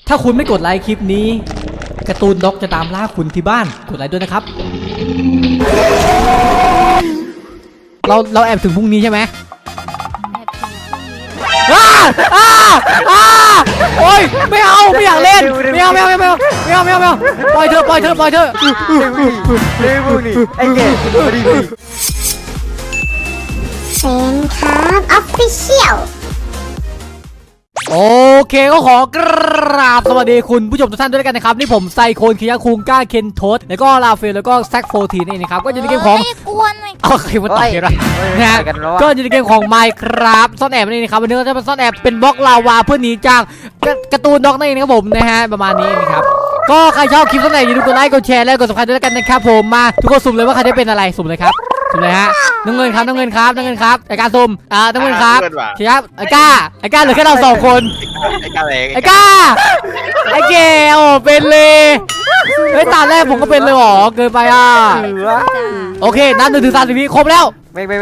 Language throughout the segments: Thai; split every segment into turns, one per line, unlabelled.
ถ้าคุณไม่กดไลค์คลิปนี้การ์ตูนด็อกจะตามล่าคุณที่บ้านกดไลค์ด้วยนะครับเราแอบถึงพรุ่งนี้ใช่ไหมโอ้ยไม่เอาไม่อยากเล่นไม่เอาปล่อยเธอ
เฮ้ยพวกนี้ไอ้เก๋ดี
เซนครับออฟฟิเชียล
โอเคก็ขอกราบสวัสดีคุณผู้ชมทุกท่านด้วยกันนะครับนี่ผมไซโคนคิยาคุงก้าเคนโทสแล้วก็ลาเฟลแล้วก็แซคโฟทีนี่นะครับก็อยู่ในเกมของโอเคมันต่อยกันนะก็อยู่ในเกมของ Minecraft ซ่อนแอบนี่นะครับวันนี้เราจะมาซ่อนแอบเป็นบล็อกลาวาเพื่อหนีจากการ์ตูนด็อกนั่นเองนะครับผมนะฮะประมาณนี้นะครับก็ใครชอบคลิปซ่อนแอบอย่าลืมกดไลค์กดแชร์และกดซับสไครต์ด้วยกันนะครับผมมาทุกคนสุ่มเลยว่าใครได้เป็นอะไรสุ่มเลยครับสุ่มเลยฮะน้ำเงินครับในการสุ่มน้ำเงินครับครับไอ้ก้าเหลือแค่เรา2คนไอ้ก้าไอ้เกลเป็นเลยเฮ้ยตาแรกผมก็เป็นเลยหรอเกินไปอ่ะโอเคนับ1 ถึง 30 วิครบแล้ว
ไม่
1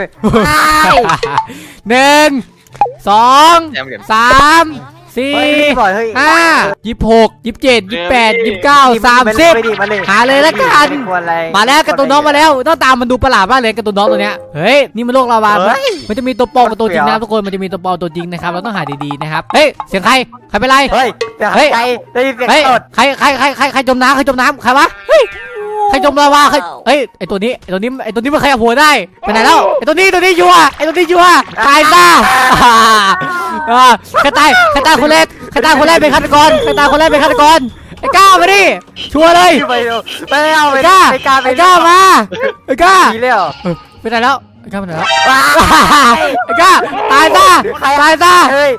2 3 4 5 26 27 28 29 30หาเลยแล้วกันมาแล้วการ์ตูนน้องมาแล้วต้องตามมันดูประหลาดมากเลยการ์ตูนน้องตัวเนี้ยเฮ้ยนี่มันโลกลาวามันจะมีตัวปลอมกับตัวจริงนะทุกคนมันจะมีตัวปลอมตัวจริงนะครับเราต้องหาดีๆนะครับเฮ้ยเสียงใครเป็นไร
เฮ้ยได้ยินเสียงสด
ใครจมน้ำใครวะเฮ้ยใครจมลาวาเฮ้ยไอตัวนี้มันขยับหัวได้ไปไหนแล้วไอตัวนี้ยัวตายซะใครตายคนแรกเป็นฆาตกรไอ้ก้ามาดิชัวร์เลย
ไปเอา
ไอ้ก้ามาไอ้ก้า
ดีแล้ว
ไปไหนแล้วไอ้ก้าไปไหนแล้วไอ้ก้าตายซะไอ้ก้า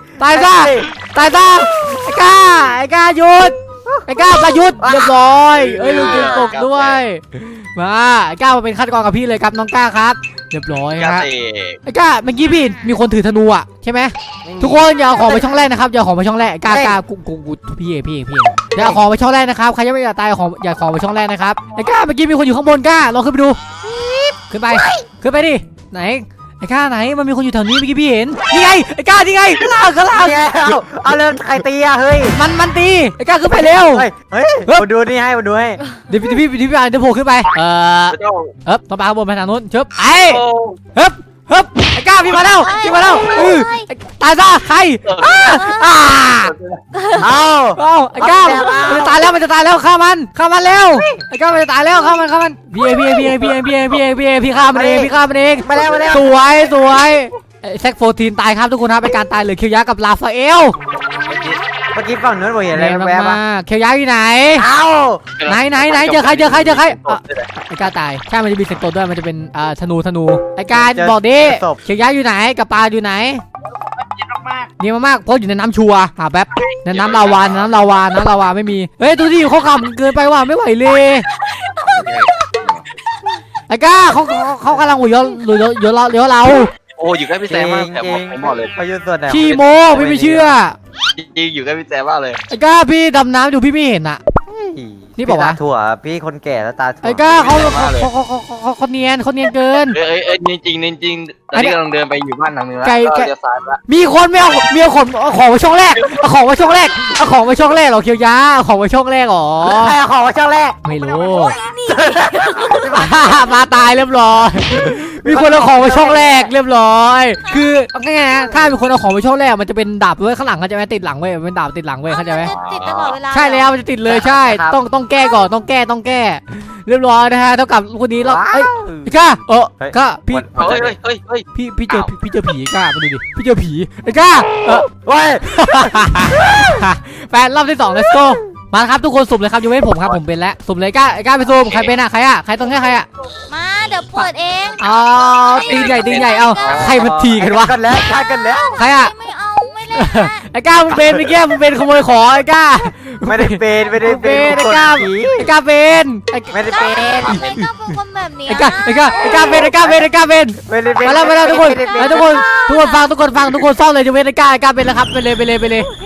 หยุดไอ้ก้าประยุทธ์เรียบร้อยเอ้ยลูกจิ๋วตกด้วยมาไอ้ก้ามาเป็นฆาตกรกับพี่เลยครับน้องก้าครับเรียบร้อยครับไอ้ก้าเมื่อกี้พี่มีคนถือธนูอ่ะใช่ไหมทุกคนอย่าเอาของไปช่องแรกนะครับอย่าของไปช่องแรกก้ากูพี่อย่าเอาของไปช่องแรกนะครับใครยังไม่อยากตายอย่าของไปช่องแรกนะครับไอ้ก้าเมื่อกี้มีคนอยู่ข้างบนก้าลองขึ้นไปดูขึ้นไปดิไหนไอ้ก้าไหนมันมีคนอยู่แถวนี้เมื่อกี้พี่เห็นนี่ไงไอ้ก้านี่ไงข้างล่าง
เอาเริ่มใครตีอะเฮ้ย
มันตีไอ้ก้าขึ้นไปเร็ว
เฮ้ยมาดูนี่ให้เ
ดี๋ยวพี่อ่านจะโผล่ขึ้นไปต้องไปข้างบนไปทางนู้นชึบไอ้ก้าพี่มาแล้วตายซะใครเอาไอ้ก้ามันจะตายแล้วฆ่ามันเร็วไอ้ก้ามันจะตายแล้วฆ่ามันพี่ฆ่ามันเอง
มาแล้ว
สวยแซคโฟทีนตายครับทุกคนครับเป็นการตายเหลือเคียวยะกับลาฟาเอล
เมื่อกี้ฝั่งนู้นบอกเห็นอะไรแวบ
ๆเคียวยะอยู่ไหนไหนเจอใครไอ้ก้าตายใช่มันจะมีเศษตัวด้วยมันจะเป็นธนูไอ้การบอกดิเคียวยะอยู่ไหนกับปลาอยู่ไหนนี่มากเพราะอยู่ในน้ำชัวหาแป๊บในน้ำลาวาไม่มีเฮ้ยตัวที่อยู่เขาขำเกินไปว่ะไม่ไหวเลยไอ้ก้าเขากำลังหัวย้อนเลี้ยวเรา
โอ้อยู่ใกล้พี่แซมมากแต่ผมบอกเลย
เขาอยู่ส่วนไหน
ขี้โมพี่ไม่เชื่อ
จริงอยู่ใกล้พี่แซมมากเลย
ไอ้ก้าพี่ดำน้ำอยู่พี่ไม่เห็นอ่ะนี่บอกว่า
ถั่วพี่คนแก่แล้วตาถั่ว
ไอ้ก้าเขาเนียนเกิน
จริงตอนนี้กำลังเดินไปอยู่บ้านหลังนึงแล้วก็จะสายละ
มีคนไม่เอาของไว้ช่องแรกเอาของไว้ช่องแรกหรอเคียวยะของไว้ช่องแรกหรอ
ใครเอาของไว้ช่องแรก
ไม่รู้มาตายเรียบร้อยมีคนเอาของไว้ช่องแรกเรียบร้อยคือง่ายๆนะถ้ามีคนเอาของไว้ช่องแรกมันจะเป็นดาบไว้ข้างหลังเขาจะไม่ติดหลังเว้ยเป็นดาบติดหลังเว้ยเข้าใจไหม
ติดตลอดเวลา
ใช่แล้วมันจะติดเลยใช่ต้องแก้ก่อนต้องแก้เรียบร้อยนะฮะเท่ากับคนนี้เราก้าก้าพี่เจอผีก้ามาดูดิพี่เจอผีไอ้ก้าแฟนรอบที่2 let's go มาครับทุกคนสุ่มเลยครับยูเว้นผมครับผมเป็นแล้วสุ่มเลยก้าไปสุ่มใครเป็นใครต้องให้ใคร
มาเดี๋ยวเปิดเอง
ตีใหญ่เอาใครมันทีกันวะ
กันแล้วใคร
ไม่เอาไม่เล่น
ไอ้ก้ามึงเป็นเมื่อกี้มึงเป็นขโมยของไอ้ก้า
ไม่ได้เป็น
ไอ้ก้าเป็น
ไม่ได้เป็น
คนแบบนี้
ไอ้ก้าเป็นมาแล้วทุกคนฟังทุกคนซ่อนเลยจะเว้นไอ้ก้าเป็นแล้วครับไปเลย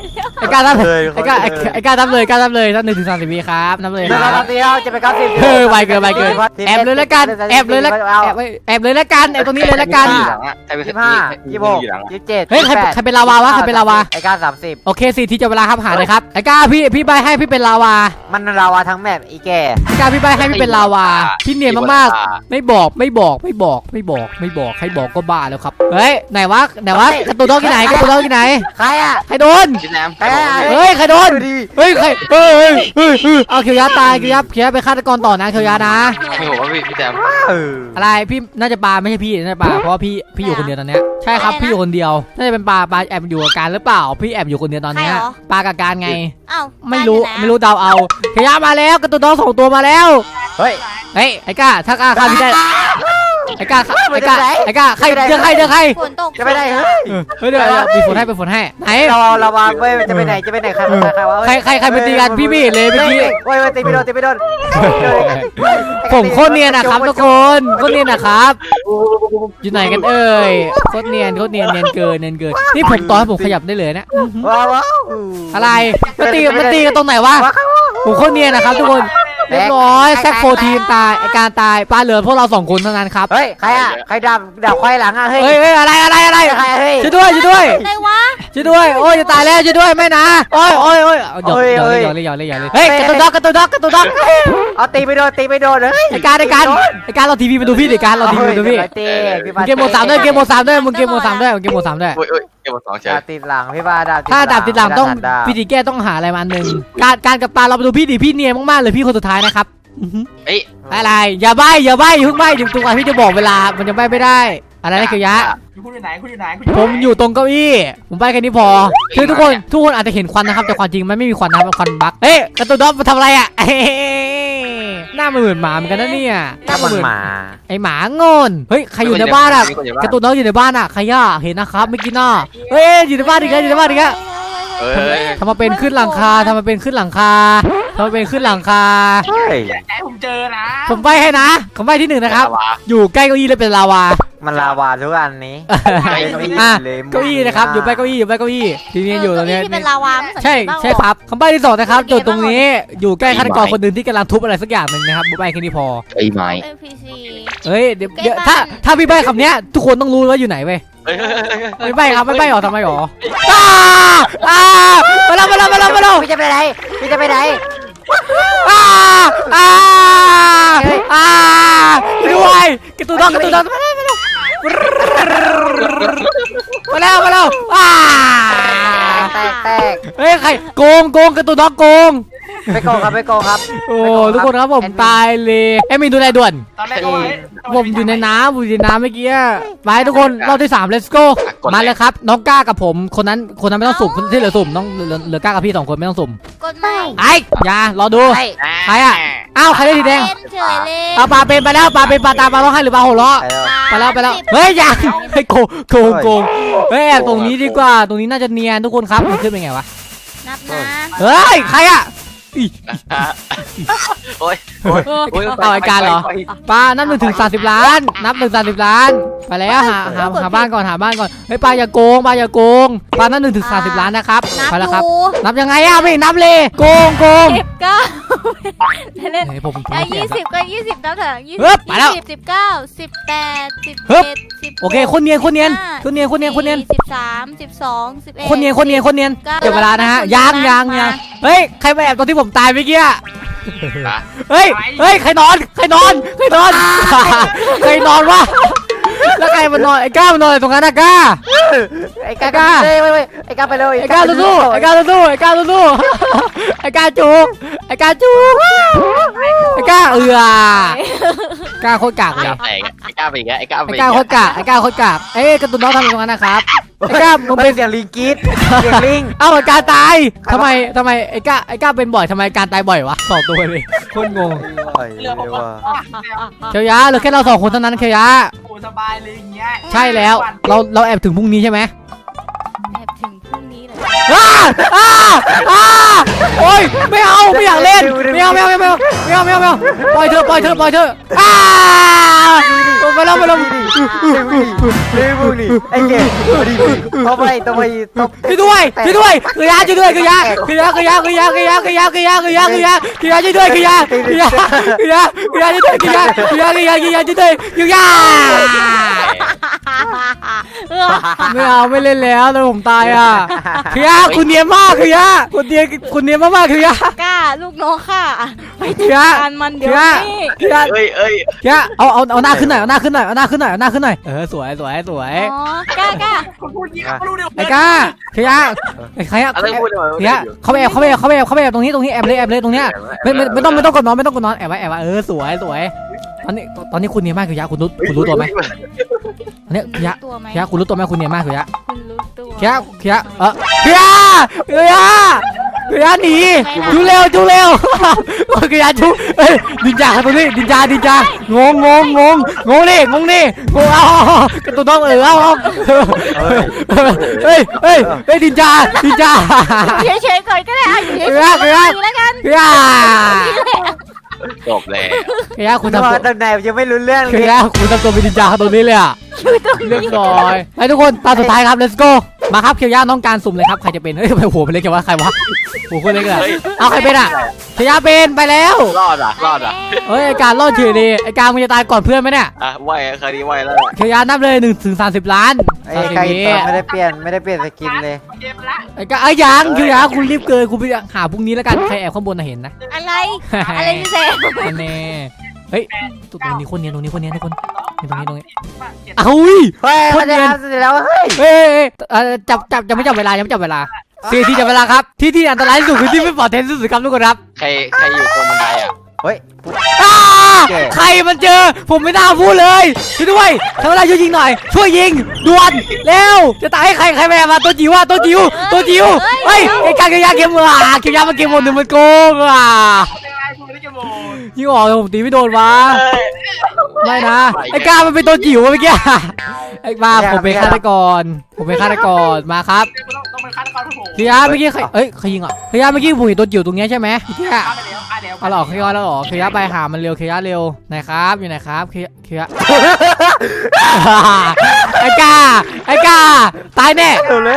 ไอ้กล้านับไอ้กล้าไอ้กล้านับเลยกล้านับเลยนับ1 ถึง 30 วิครับนับเลย
เดี๋
ค
ยว
รับ
เดียวจะไป90
ไวเกินแอบเลยละกันแอบเลยละแอบเลยละกันแอบตรงนี้เลยละกัน
ใครเป็น
25 26 27
เฮ้ยใครเป็นลาวาวะใครเป็นลาวา
ไอ้ก้า30
โอเค4 ทีจะเวลาครับหาเลยครับไอ้กล้าพี่ใบให้พี่เป็นลาวา
มันลาวาทั้งแมปอีแก่
ไอ้กล้าพี่ใบให้พี่เป็นลาวาพี่เนียนมากๆไม่บอกใครบอกก็บ้าแล้วครับเฮ้ยไหนวะกระตุ้นน้องที่ไหน
ใครอ่ะ
ใครโดน
พี่แซม
เฮ้ยใครโดนเฮ้ยใครเอาเคียวยะตายเคียวยะไปฆาตกรต่อนะเคียวยะนะ
ไม่ผมว่าพี่แซม
อะไรพี่น่าจะปาไม่ใช่พี่น่าจะปาเพราะว่าพี่อยู่คนเดียวตอนเนี้ยใช่ครับพี่อยู่คนเดียวน่าจะเป็นปาแอบอยู่กับการหรือเปล่าพี่แอบอยู่คนเดียวตอนเนี้ยปากับการไง
อ้าว
ไม่รู้เดาเอาเคียวยะมาแล้วกระตุ้นน้อง2 ตัวมาแล้ว
เฮ้ย
ไอ้ก้าถ้ากล้าฆ่าพี่ได้ไอ้ก้าใครเจอใคร
ฝนตก
จะไปไหนเฮ้ย
เดี๋ยวมีฝนให้ไหน
เราวางเว้ยจะไปไหนใครวะ
ใครไปตีกันพี่ไม่เห็นเลยเมื่อกี้
เว้ยตีไม่โดน
ผมโคตรเนียนนะครับทุกคนโคตรเนียนนะครับอยู่ไหนกันเอ่ยโคตรเนียนเกินนี่ผมต่อให้ผมขยับได้เลยนะ
ว้าว
อะไรมาตีกันตรงไหนวะผมโคตรเนียนนะครับทุกคนเรียบร้อยแซคโฟทีมตายไอการตายปลาเหลือพวกเรา2 คนเท่านั้นครับ
เฮ้ยใครอ่ะใครดับควายหลังอ่ะเฮ้ย
เฮ้ยอะไร
ใครเฮ้ย
ช่วยด้วย
อะไรวะ
ช่วยด้วยโอ้ยจะตายแล้วช่วยด้วยไม่นะโอ้ยหยอกเลยเฮ้ยกระตุ้นด็อก
เอาตีไม่โดนเลย
ไอการเราทีวีมาดูพี่ดิการเราทีวีมาดูพี่เกมโหมด 3ด้วยมึงเกมโหมด 3ด้วย
โอ้ยเกมหมด2เฉย
ติดหลังพี่บ้าดาบ
ถ้าดาบติดหลังต้องพี่ดิแก้ต้องหาอะไรมาอันหนึ่งการกับปลาเราไปดูพี่ดิพี่เนียนมากๆเลยพี่คนสุดท้ายนะครับ
เอ้ย
อะไรอย่าใบ้อย่าเพิ่งใบ้ถึงตรงพี่จะบอกเวลามันจะใบ้ไม่ได้อะไรนะเกียวยะผมอยู่ตรงเก้าอี้ผมใบ้แค่นี้พอคือทุกคนอาจจะเห็นควันนะครับแต่ความจริงมันไม่มีควันนะครับมันควันบั๊กเฮ้ยกระตุ้นด็อกมาทำอะไรอ่ะหน้ามันเหมือนหมาเหมือนกันนะเนี่ย
ถ้ามันหมา
ไอหมางอนเฮ้ยใครอยู่ในบ้านอ่ะกระตุ้นด็อกอยู่ในบ้านอ่ะใครย่าเห็นนะครับไม่อกินน่ะเฮ้ยอยู่ในบ้านอีกแล้วทำมาเป็นขึ้นหลังคา
ผมเจอนะ
ผมใบ้ให้นะผมใบ้ที่1นะครับอยู่ใกล้เก้าอี้เลยเป็นลาวา
มันลาวาทุกอันนี้
เก้าอี้นะครับอยู่ใกล้เก้าอี้ทีนี้อยู่ตรงนี้
ที่เป็นลาวาไม่สังเก
ใช่
ตบ้าง
ใช่ครับคำใบ้ที่2นะครับจุดตรงนี้อยู่ใกล้ฆาตกรคนหนึ่งที่กำลังทุบอะไรสักอย่างหนึ่งนะครับใบ้แค่นี้พอ
ไอ้ไม้
NPC
เฮ้ยเดี๋ยวถ้าพี่ใบ้คำเนี้ยทุกคนต้องรู้ว่าอยู่ไหนเว้ยไม่ใบ้ครับไม่ใบ้หรอทำไมหรอมาแล้ว
พี่จะไปไหน
ด้วยกระตุ้นด็อกมาแล้ว
แตก
เฮ้ยใครโกงกระตุ้นด็อกโกง
ไปโกงครับ
โอ้ทุกคนครับผมตายเลยมีดูอะไรด่วน
ตอนแรกก็
ผมอยู่ในน้ำเมื่อกี้ไปทุกคนรอบที่3 let's go มาเลยครับน้องก้ากับผมคนนั้นไม่ต้องสุ่มที่เหลือสุ่มน้องเหลือก้ากับพี่2 คนไม่ต้องสุ่ม
กดไม่
ไอ้รอดูใครอ่ะอ้าวใครได้สีแดง
เป็นเฉยเลย
เอาปลาเป็นไปแล้วปลาเป็นปลาตามปลาร้องไห้หรือปลาหัวเราะไปแล้วเฮ้ยอย่าให้โกงเฮ้ยแอบตรงนี้ดีกว่าตรงนี้น่าจะเนียนทุกคนครับมันขึ้นเป็นไงวะ
นับนะ
เฮ้ยใครอ่ะ
โอ้ย
เอาไอ้การเหรอปลานับ1 ถึง 30 ล้านนับ1 ถึง 30 ล้านไปแล้วหาบ้านก่อนเฮ้ยปลาอย่าโกงปลานับ1 ถึง 30 ล้านนะครับ
นับ
ไปแล้วครับ
ดู
นับยังไงอ่ะไม่นับเลยโกง
เล่น
เฮ้ยผม
20ก็20นับเถอะ20
เฮ้ยไปแล้ว
19 18
เฮ้ย
17
โอเคคนเนียน13 12 11
คนเนียน
คนเนียนเดี๋ยวเวลานะฮะยังเฮ้ยใครมาแอบตอนที่ผมตายเมื่อกี้เฮ้ยใครนอนใครนอนวะแล้วใครมานอนไอ้ก้ามานอนตรงนั้นนะก้า
ไอ้ก้าไอ้ก้าไปเลย
ไอ้ก้าสู้ไอ้ก้าจุกไอ้ก้าก้าโคตรกากเลย
ไอ้ก้าไปอีกแล้วไอ้ก้า
ไอ้ก้าโคตรกากเอ้ยกระตุ้นน้องทำตรงนั้นนะครับไอ้ก้ามึง
เป็
เป็น น
เสียงลิงกรีดเสียงลิง
เอ้าการตายทำไมไอ้ก้าเป็นบ่อยทำไมการตายบ่อยวะ2 ตัวเลยโคตรงงเคียวยะเหลือแค่เรา2 คนเท่านั้นเคียวยะ
โอ้สบายเลยอย่างเงี้ย
ใช่แล้วเราแอบถึงพรุ่งนี้ใช่ไหม
แอบถึงพรุ่งนี้เลย
อ้าโอ้ยไม่เอาไม่อยากเล่นไม่เอาปล่อยเธออ้าไปแล้ว
เร็วนี่ไอ้เกดต้องไป
ช่วยด้วยคือยาช่วยด้วยคือยาช่วยด้วยคือยาช่วยไม่เอาไม่เล่นแล้วแล้วผมตายอ่ะคือยาคุณเนียนมากคือยาคุณเนียนมากคือยาก
ล้าลูกน้องค่ะไปจัด
คือยา
การมันเดี๋ยวนี้
คือยา
เอ้ย
คือยาเอาหน้าขึ้นหน่อยสวย
อ๋อกล้า
คนพูดยี่เขารู้เดี๋ยว
ไอ้ก้าคือยาใครอะ
อะไรพูดเลย
คือยาเขาไปแอบตรงนี้แอบเลยตรงเนี้ยไม่ต้องกดนอนแอบไว้สวยตอนนี้คุณเนียนมากคือยาคุณรู้ตัวไหมอันนี้คือยา
ตัวไหม
คือยาคุณรู้ตัวไหมคุณเนียนมากคือยา
คุณรู้ตัว
คือยาหนีจูเร็วคือยาจูดินจาตรงนี้ดินจางงนี่เอากระตุ้นน้องเอาเฮ้ยดินจา
เฉยๆก่อนก็ได้อยู่เฉย
คือยา
ๆแล้วกัน
จบแล้ว
คือยาคุณ
ต
ทำตัว
อนไหนยังไม่รู้เรื่อง
คื
เล
อย คุณทำตัวเป็นดินจาตรงนี้เลยอ่ะเรียบร้อยไปทุกคนตาสุดท้ายครับ let's go มาครับเคียวยาน้องการสุ่มเลยครับใครจะเป็นเฮ้ยทำไมหัวมันเล็กจังวะใครวะหัวคนเล็กอะเอาใครเป็นอ่ะเคียวยาเป็นไปแล้ว
รอดอ่ะ
เฮ้ยไอการรอดเฉยดีไอการมึงจะตายก่อนเพื่อนไหมเนี่ย
ไหวคดีไหวแล้ว
เคียวยานับเลย1 ถึง 30 ล้าน
ไอ้ไก่ไม่ได้เปลี่ยนสกินเลย
เกมละ
ไอ้ก็ไอ้ยังเคียวยาคุณรีบเกินคุณไปหาพรุ่งนี้แล้วกันใครแอบข้างบนน่ะเห็นนะ
อะไรพี่เซม
แน่เฮ้ยตรงนี้คนเนียนทุกคนตรงนี้อ้าว
เฮ้ยมันจะทำเสร็จแล้วเฮ้ย
เฮ้ยจับไม่จับเวลายังไม่จับเวลาที่จับเวลาครับที่อันตรายที่สุดคือที่ไม่ปลอดภัยที่สุดครับทุกคนครับ
ใครอยู่ตรงบันไดอ่ะ
เฮ้ย
ใครมันเจอผมไม่น่าพูดเลยช่วยด้วยทำอะไรช่วยยิงหน่อยช่วยยิงด่วนเร็วจะตายให้ใครแม่มาตัวจิ๋วเฮ้ยไอ้การเคียวยาเกมเคียวยามาเกมหมด1มันโกงยิงออกผมตีไม่โดนวะไม่นะไอ้กามันเป็นตัวจิ๋วเมื่อกี้ไอ้มาผมเป็นฆาตกรมาครับ
ต้องเป็นฆาตกรผู้ผม
เคียวยาเมื่อกี้ใครยิงอ่ะเคียวยาเมื่อกี้ผมเห็นตัวจิ๋วตรงนี้ใช่ไหมเคียวยา
ฆ่าแล้ว
เอาหรอเคียวยาแล้วหรอเคียวยาไปหามันเร็วเคียวยาเร็วไหนครับอยู่ไหนครับเคียวยาไอ้กาตายแน่
เร็วเลย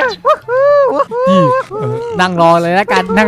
นั่งรอเลยแล้วกันนั่ง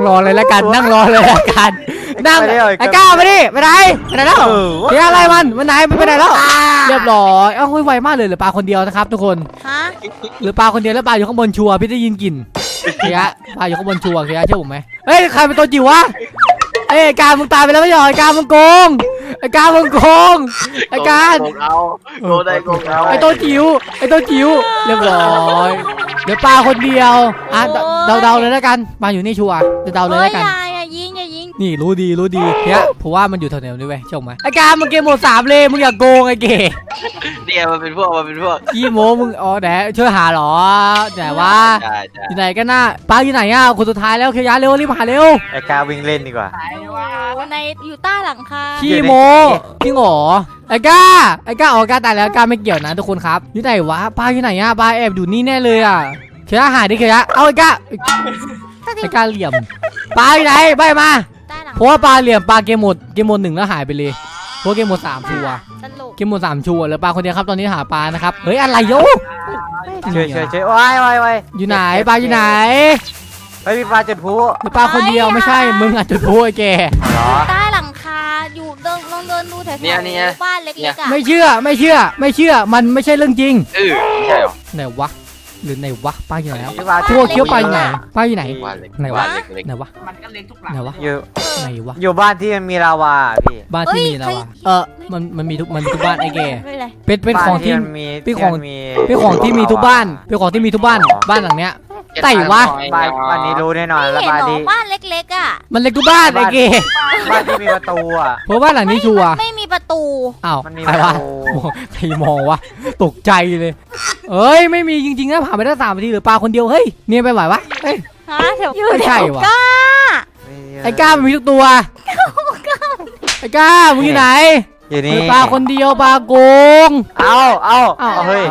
ไอ้ก้ามาดิไปไหนแล้วเฮียอะไรมันไหนไปไหนแล้วเรียบร้อยเอ้าไวมากเลยเหลือปลาคนเดียวนะครับทุกคน
ฮะ
เหลือปลาคนเดียวแล้วปลาอยู่ข้างบนชัวร์พี่ได้ยินกลิ่นเฮียปลาอยู่ข้างบนชัวร์เฮียเชื่อผมไหมเฮ้ยใครเป็นตัวจิ๋ววะไอ้กามึงตายไปแล้วไม่หรอไอ้กามึงโกงไอ้กาโกง
ได้โกงเอา
ไอ้ตัวจิ๋วเรียบร้อยเดี๋ยวปลาคนเดียวอ่ะเดาเลยแล้วกันปลาอยู่นี่ชัวร์จะเดาเลยแล้วกัน
อย่ายิง
นี่รู้ดีเนี่ยผมว่ามันอยู่แถวๆนี้เว้ยชมไหมไอ้การมันเกมหมด3เลยมึงอย่าโกงไอ้เก๋
เนี่ยมันเป็นพวก
ขี้โม้มึงอ๋อไหนช่วยหาหรอไหนวะ
ใช่
อยู่ไหนกันน่ะป้าอยู่ไหนอ่ะคนสุดท้ายแล้วเคียวยาเร็วรีบหาเร็ว
ไอ้กาวิ่งเล่นดีกว่า
ตายว่า
ในอยู่ใต้หลังคา
ขี้โม้จริงเหรอไอ้ก้าอ๋อกาตายแล้วกาไม่เกี่ยวนะทุกคนครับอยู่ไหนวะป้าอยู่ไหนอ่ะป้าแอบอยู่นี่แน่เลยอ่ะเคียวยาหาดิเคียวยาเอาไอ้ก้าเหลี่ยมป้าอยู่ไหนไปมาเพราะว่าปลาเหลี่ยมปลาเกมหมด1แล้วหายไปเลยเพราะเกมหมด3ชัวร์
ตลก
เกมหมด3ชัวร์แล้วปลาคนเดียวครับตอนนี้หาปลานะครับเฮ้ยอะไรโย
ช่วยว้าย
อยู่ไหนปลาอยู่ไหน
เฮ้ยมีปลาจุดพลุ
ปลาคนเดียวไม่ใช่มึงอาจจะพูดไอ้แก
เหรอ
ใต้หลังคาอยู่ลองเดินดูแถวๆบ้านเล็กๆอ่ะ
ไม่เชื่อมันไม่ใช่เรื่องจริง
ไม่ใช่หรอ
ไหนวะหรือไหนวะปลาอยู่ไหนแล้ว
ปลา
ทั่วเคี้ยวปลาอยู่ไหนปลาอยู่ไหน
ว่าเล็ก
ไหนวะ
เล็ก
ไหนวะ
มันก็เล็กทุกหลัง
ไหนวะ
อยู่
ไหนวะ
อยู่บ้านที่มันมีลาวาพี่
บ้านที่มีแล้วอะมันมีทุกบ้านไอ้แก
ไม่เป็นไร
เป็นของที่
มี
เป็นของที่มีทุกบ้านบ้านหลังเนี้ย ไต่วะ
บ้านนี้รู้แน่นอนแล้ว
ไม่
บ้าน
เห็นหร
นี้
อบ้านเล็กๆอ่ะ
มันเล็กทุกบ้านไอ้แก
บ้านที่มีประตูอ่ะ
เพราะบ้านหลังนี้ชัวร์
ไม่มีประตู
อ้าว
มันมี
ใครวะ
ประตู
โอ้โหใครมองวะตกใจเลยเอ้ยไม่มีจริงๆนะผ่านไปได้3 นาทีเหรือปลาคนเดียวเฮ้ยเนี่ยไปไหววะเฮ้ย
ฮะแถว
ไม่ใช่วะ
ก้า
ไอ้ก้ามันมีทุกตัวไอ้ก้ามึงอยู่ไหน
อยู่
เห
นี่
ลือปลาคนเดียวปลาโกง
เอาเฮ้ย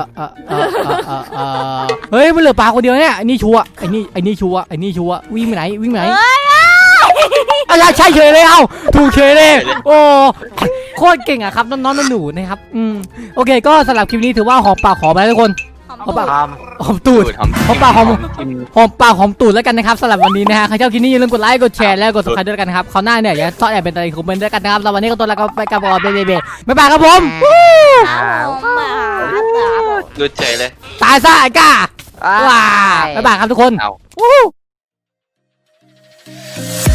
เฮ้ยมันเหลือปลาคนเดียวเนี่ยไอ้นี่ชัวร์ไอ้นี่ชัวร์วิ่งไปไหน
เฮ้ย
ใช่เฉยเลยเอ้าถูกเฉยเลยโอ้โคตรเก่งอะครับน้องๆหนูๆนะครับโอเคก็สำหรับคลิปนี้ถือว่าหอมปากหอมไปทุกคน
หอม
ท
หอมตูดหอมปากหอมปากหอมตูดแล้วกันนะครับสำหรับวันนี้นะฮะใครชอบคลิปนี้อย่าลืมกดไลค์กดแชร์และกด subscribe ด้วยกันนะครับเขาวหน้าเนี่ยอย่าซ่อนแอบเป็นอะไรคอมเมนต์ด้วยกันนะครับแล้ววันนี้ก็ตัวแล้วก็ไปกับบ๊ายบายครับผม
ดูเฉยเลย
ตายซะไอ้ก้า
ำ
ว้าบ๊ายบายครับทุกคน
เอา
วู้